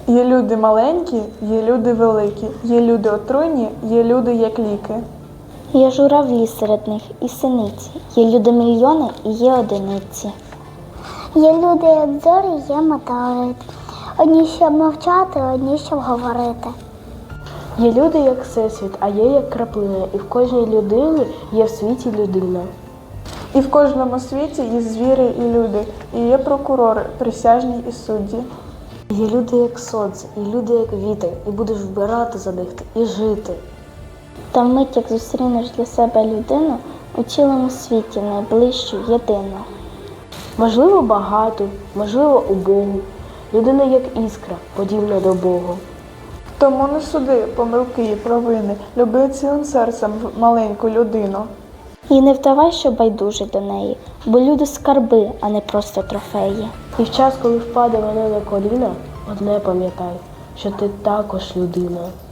Є люди маленькі, є люди великі, є люди отруйні, є люди як ліки. Є журавлі серед них і синиці, є люди мільйони і є одиниці. Є люди, як зорі, є метеорит. Одні, щоб мовчати, одні, щоб говорити. Є люди, як всесвіт, а є як краплина, і в кожній людині є в світі людина. І в кожному світі є звірі і люди, і є прокурори, присяжні і судді. Є люди, як сонце, і люди, як вітер, і будеш вбирати за них і жити. Та вмить, як зустрінеш для себе людину, у цілому світі найближчу єдину. Можливо, багато, можливо, убогу. Людина, як іскра, подібна до Бога. Тому не суди помилки і провини, люби цілим серцем маленьку людину. І не вдавай, що байдужий до неї, бо люди скарби, а не просто трофеї. І в час, коли впаде вона на коліна, одне пам'ятай, що ти також людина.